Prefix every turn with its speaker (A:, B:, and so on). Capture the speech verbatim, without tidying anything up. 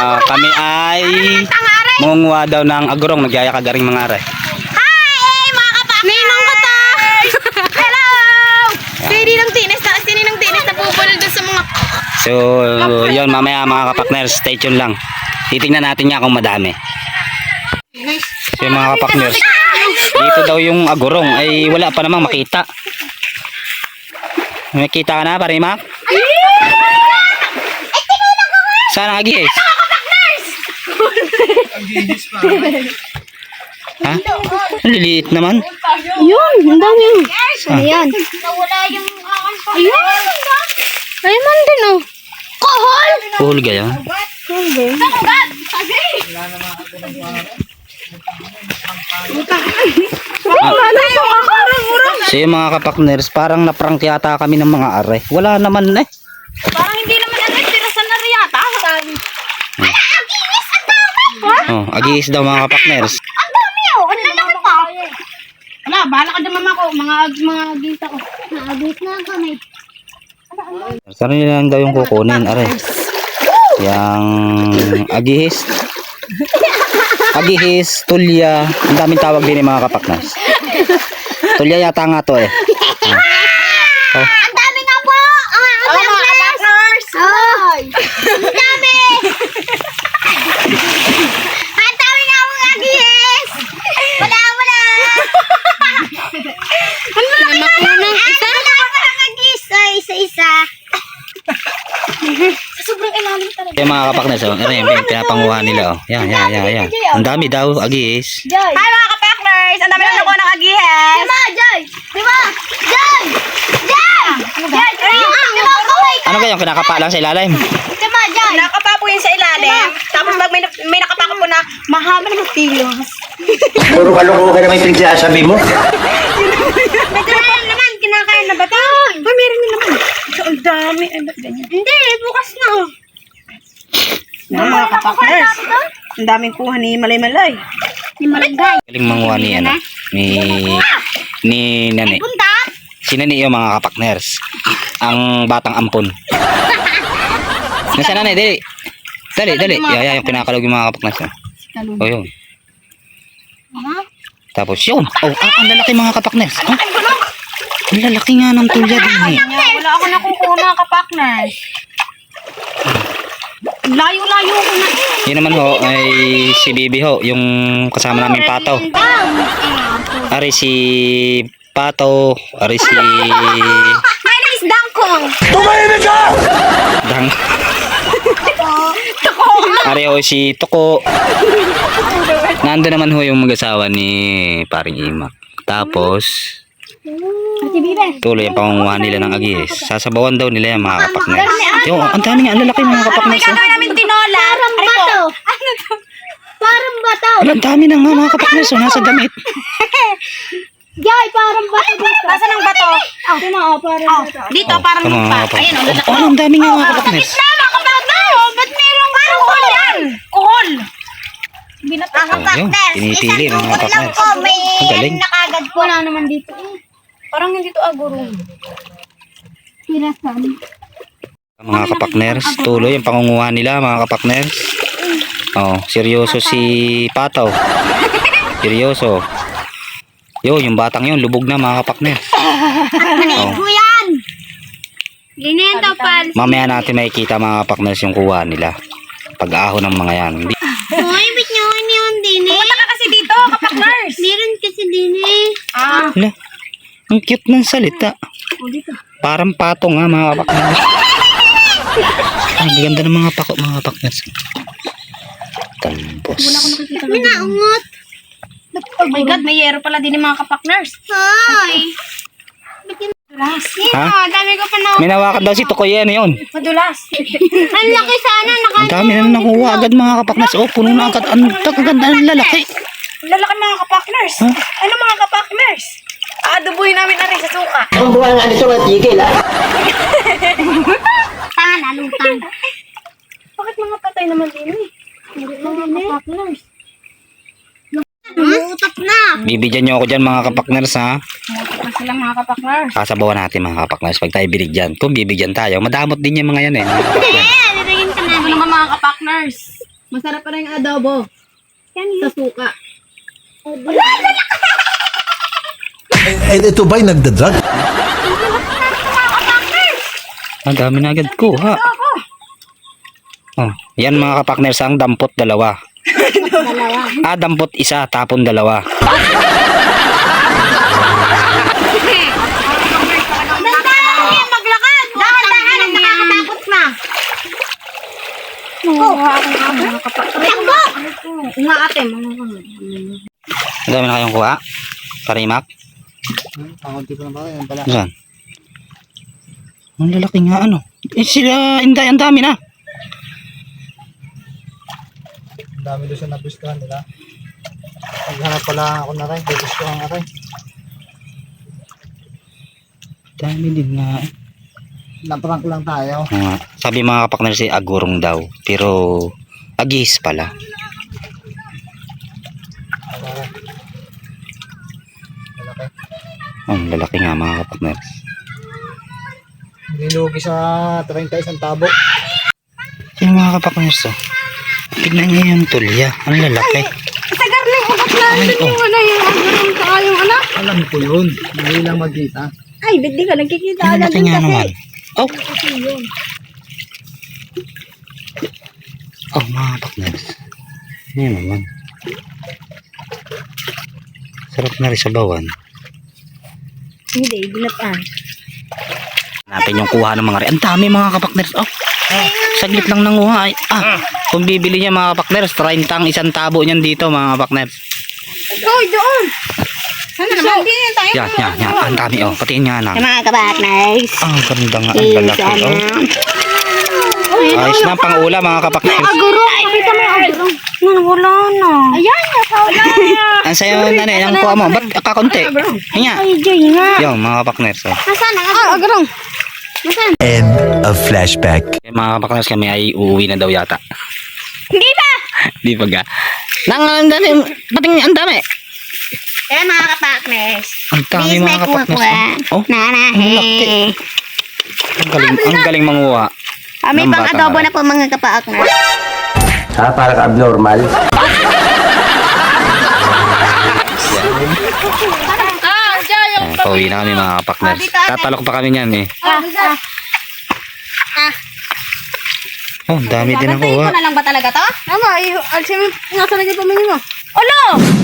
A: Ah, kami ay munguha daw ng agurong, nagyaya kagaring mga are.
B: Hi, mga kapakners! Ninong ko to! Hello! Sini ng tinis na, sini ng tinis na pupulol dun sa mga...
A: So, yun mamaya mga kapakners, stay tuned lang. Titingnan natin niya kung madami. So mga kapakners, dito daw yung agurong ay wala pa namang makita. Makita ka na, Parimak? Saan ang agis? Ha? Ang liliit naman.
B: Yun, ang dami yun.
A: Ah.
B: Ayan. Nawala yung... Ayun! Ayun din oh. Kohol!
A: Cool gaya.
B: Kohol ba yun? Sakugat!
A: So yung mga kapakners, parang naprank yata kami ng mga are. Wala naman eh.
B: Parang hindi naman ano, tirasan na riyata. Ala, aginis! Ang dami!
A: Oh, agis daw mga kapakners.
B: Ang dami oh! Ang lalaki pa! Wala, bahala ka dyan mama ko. Mga mga agita ko. Mga agit na kami.
A: Saan nila lang daw yung kukunin, are? Yang agihis. Agihis, tulya. Ang daming tawag din yung mga kapakners. Tulya yata nga to eh. Oh.
B: Ang dami nga po! Ang kapakners! Oh! Ang dami! Ang dami nga po agis! Wala, wala! Ang laki na ng isa? Wala pa lang agis! Ay, isa-isa. Sobrang ilalim talaga.
A: Yung mga kapakners, oh, ano yung pinapanguha nila, oh. Yan, yan, yan, yan. Ang dami daw, agihis.
B: Joy! Hi mga kapakners! Ang dami lang nakuha ng agihes! Diba, Joy? Diba? Joy! Joy! Joy! Diba, kaway ka?
A: Ano kayong kinakapa lang sa ilalim?
B: Diba, Joy? Nakapa po yun sa ilalim. Tapos pag may, may nakapa ka po na mahaba na magkilos.
C: Puro kalokohan naman yung pinagsasabi mo.
B: Ito na lang naman, kinakain na ba ito? Ay, meron din naman. Ito, ang dami. Hindi, bukas na.
D: Mga, mga kapakners, ang daming kuha ni Malay-Malay.
B: Ni Malagay.
A: Galing manguha ni, ano, ni, ni Nani.
B: Punta?
A: Si Nani yung mga kapakners. Ang batang ampon. Nasaan Nani? Dali. Dali, dali. Yaya yung kinakalog yung mga kapakners. Oh, oh yun. Tapos yun. Oh, ang, ang lalaki mga kapakners. Oh, ang lalaki nga ng tulya din eh.
B: Wala ako nakukuha mga kapakners. Layo-layo ko na eh.
A: Yun naman ho ay si Bibi ho, yung kasama namin Pato. Ari si Pato, ari si
B: My name is Dangkong.
A: Dang. Ari ho si Toko. Nando naman ho yung mag-asawa ni Paring Imak. Tapos
B: Ate Bibe.
A: tuloy ang pangunguha nila ng agis. Sasabawan daw nila yung mga kapakners. Yung, ang dami nga, ang lalaki mga kapakners.
B: Gagawin namin tinola. Parang bato. Ano to? Parang bato.
A: Ang dami na nga mga kapakners. Oh, nasa damit.
B: Joy, parang bato dito. Nasaan ang bato? Oh, tuma, oh, parang bato. Dito, parang
A: Tama,
B: lupa.
A: mga
B: Ayan, oh,
A: kapakners. Oh, ang dami nga mga kapakners.
B: Tama ka ba ito? Ba't mayroong parang kuhol yan? Kuhol. Binatang
A: Oh, yun. Tinitili ng mga kapakners.
B: May
A: Ang galing.
B: nakagad po. Wala naman dito eh. Parang hindi to agurong. Tirasan.
A: Mga kapakners, tuloy ang pangunguha nila mga kapakners. Oh, seryoso si Pataw. Seryoso. Yo, yung batang yun, lubog na mga kapakners.
B: Maliit po yan. Ganyan to, pal.
A: Mamaya natin makikita mga kapakners yung kuha nila. Pag-aho ng mga yan. Hindi.
B: Hoy, ba't nyo yun din eh? Pumunta ka kasi dito, kapakners. Meron kasi din eh. Ah.
A: Hala, ang cute ng salita. Parang pato nga mga kapakners. Ang ganda ng mga pako mga kapakners. Tambos.
B: May naungot. Oh my God, may yero pala din yung mga kapakners. Hi. Madulas.
A: Ha?
B: Dami ko pa na.
A: May nawakan daw si Tokoy, ano yun?
B: Madulas. Ang laki sana. Naka
A: Ang dami na nakuha agad mga kapakners. Oh, puno na agad. Ang ganda ng lalaki.
D: Lalaki mga kapakners.
A: Huh?
D: Ano mga kapakners? Aadubuhin namin na rin sa suka.
C: Ang buwan nga nito, matigil ha.
B: Tangan, alutang.
D: Bakit mga patay naman din eh?
B: Mga kapakners. Umuutot na.
A: Bibigyan nyo ako dyan mga kapakners ha.
D: Mutok na sila mga kapakners.
A: Kasabawan natin mga kapakners pag tayo binigyan. Kung bibigyan tayo, madamot din yung mga yan eh. Mga kapakners.
B: Eh, bibigyan ka namin.
D: Ano nga mga kapakners? Masarap pa rin yung adobo. Sa suka.
E: Eh, ito ba'y nagdadrag?
A: Ang dami na agad ko, ha? Oh, yan mga kapakners, ang dampot dalawa. Ah, dampot isa, tapon dalawa.
B: Dahan-dahan maglakad. Dahan-dahan ang nakakatakot na. Takbo!
D: Nga ate.
A: Ang dami na kayong kuha. Parimak. Saan? Ang lalaki nga ano. Eh sila, inday, ang dami na.
F: Ang dami doon sa nagustuhan nila. Naghanap pala ako na rin. Nagustuhan na rin.
A: Dami din nga.
F: Naprank lang tayo.
A: Oo nga. Sabi mga kapakners si agurong daw. Pero agis pala.
F: Malaki.
A: Oh, ang lalaki nga mga kapakners.
F: Hindi lugi sa treinta isang tabo.
A: Yung mga kapakners oh. Tignan niyo yung tulya. Ang lalaki.
D: Sa garling, ugat na.
A: Ay, oh.
D: Yung ano, yung agurong saka yung ano.
F: Alam ko yun. Hindi lang magkita.
D: Ay, ba't di ka nagkikita?
A: Ang lalaki nga naman. Oh. Oh, mga kapakners. Ano naman. Sarap na rin sa bawan.
D: Hindi, binatan.
A: Natin yung kuha ng mga rin. Ang dami mga kapakners. Oh. Saglit lang nanguha. Ay, ah, kung bibili niya mga kapakners, treinta ang isang tabo niyan dito mga kapakners.
D: Uy, doon! Ano naman? Hindi na tayo.
A: Yan, yan, yan. Ang dami oh. Patiin nga na.
B: Mga kabakners.
A: Ah, ang ganda nga. Ang lalaki oh. Ayos na pang ula mga kapakners.
D: Agurong! Pakita mo yung agurong. Ano, wala na. Ayan, wala na.
A: Ang sayo na rin. Ang kuha mo. Ba't kakunti? Hinya.
D: Ay, Jay nga.
A: Yung mga kapakners oh.
D: Nasaan ang agurong? Agurong.
E: End of flashback.
A: Eh, mga kapakners kami ay uuwi na daw yata.
B: Hindi ba?
A: Di pa ga. Nang ang dami. Pating ang dami.
B: Eh, mga kapakners.
A: Ang dami
B: Please, may
A: mga kapakners.
B: kuha-kuha.
A: Oh, oh,
B: Nanahe.
A: ang galing, ang galing manguha.
B: Kami
A: Ng
B: pang
A: bata
B: adobo
A: nga.
B: na po mga kapakners.
C: Ha? Parang abnormal.
B: Ah, Jay.
A: Ayan, pauwi na kami mga kapakners. Tatalok pa kami niyan eh. Oh, ang dami din ang
B: Bantayin
A: kuha.
B: ko na lang ba talaga to?
D: Ano, ay, alsin mo, nasa lagi pamingin mo.
B: Olo!